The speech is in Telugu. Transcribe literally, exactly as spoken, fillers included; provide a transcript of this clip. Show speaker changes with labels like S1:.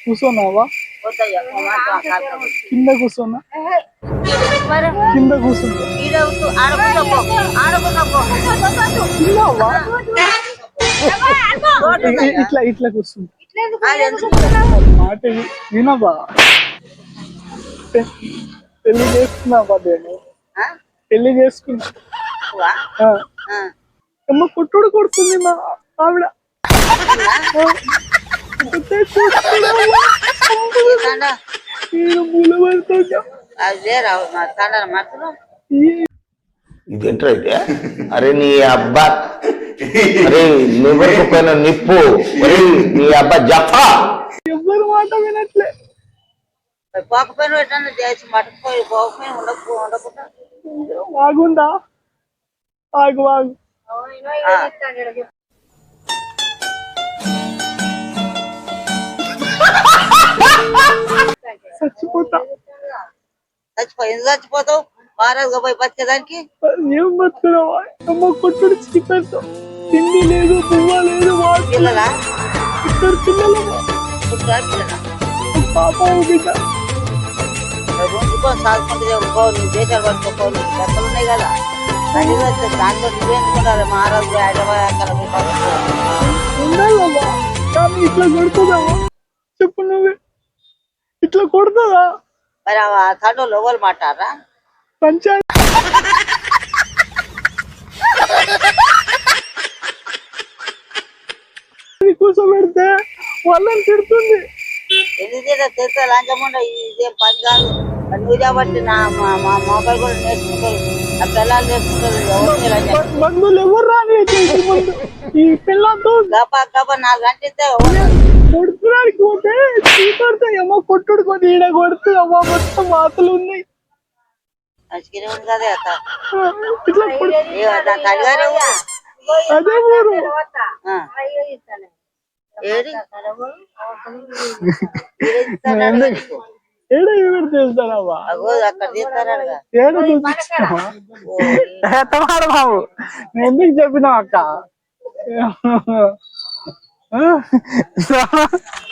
S1: కూర్చోన్నావా? కింద కూర్చోన్నా, కింద కూర్చుంటా. తిన్నావా? ఇట్లా ఇట్లా కూర్చుంటా. మాట వినవా? పెళ్లి చేసుకున్నావా? నేను పెళ్లి చేసుకున్నా. అమ్మ కొట్టుడు కొడుతుంది మా ఆవిడ.
S2: ఇదేంటైతే? అరే నీ అబ్బా, అరే నివరకు పైన నిప్పు, అరే నీ అబ్బా జఫా.
S1: ఎవ్వరు మాట వినట్లే.
S3: పోకపోయినా ఎట్లా చేసి మటకపోయి పోకపోయినా ఉండకు ఉండకుండా
S1: ఆగుందా? ఆగు ఆగు. చచ్చిపోతా.
S3: చచ్చిపోయింది చచ్చిపోతావు. మహారాజుగా పోయి బతికేదానికి
S1: ఏం బతుకున్నావా? అమ్మ కొట్టుడు చీకట్టు, తిండి లేదు, పువ్వ లేదు.
S3: పిల్లలా
S1: ఇద్దరు పిల్లలు,
S3: పిల్లలా
S1: పాప బిడ్డ.
S3: రోజుకొని సాగుకుంటే ఊరుకో, నువ్వు దేశాలు పట్టుకోకో, నీకు బట్టలు ఉన్నాయి కదా. అది దాంట్లో నువ్వేందుకుంటారు మహారాజు హైదరాబాద్
S1: ఉండాలమ్మా. కానీ ఇట్లా కొడుతుందామా? చెప్పు నువ్వే. ఇట్లా కొడుతుందా?
S3: మరి ఆ తండ్రి లోగోలు మాట్లాడరా?
S1: పంచాయతీ కూర్చోబెడితే వాళ్ళని తిడుతుంది.
S3: ఎందుకు తిడతా? లంచముండ ఇదేం పని కాదు. నువ్వు కాబట్టి నా మా మొబైల్ కూడా నేర్చుకుంటారు, ఆ పిల్లలు నేర్చుకుంటారు.
S1: బంధువులు ఎవరు రాని ఈ పిల్లలతో
S3: గబా గబా నాలుగు గంటలతో
S1: కొడుతున్నానికి పోతే చీకడితే ఏమో కొట్టుడు కొని ఈడ కొడుతూ అమ్మ మొత్తం వాతలు ఉన్నాయి.
S3: మంచిగానే ఉంది కదా
S1: ఇట్లా
S3: దాని తల్లిగారే
S1: అదే ఊరు.
S3: ఏడి
S1: ఏడ ఎవరు చేస్తారమ్మా?
S3: అక్కడ తీస్తారా?
S1: ఏడ చూపించావా బాబు? నేను ఎందుకు చెప్పినావు అక్క?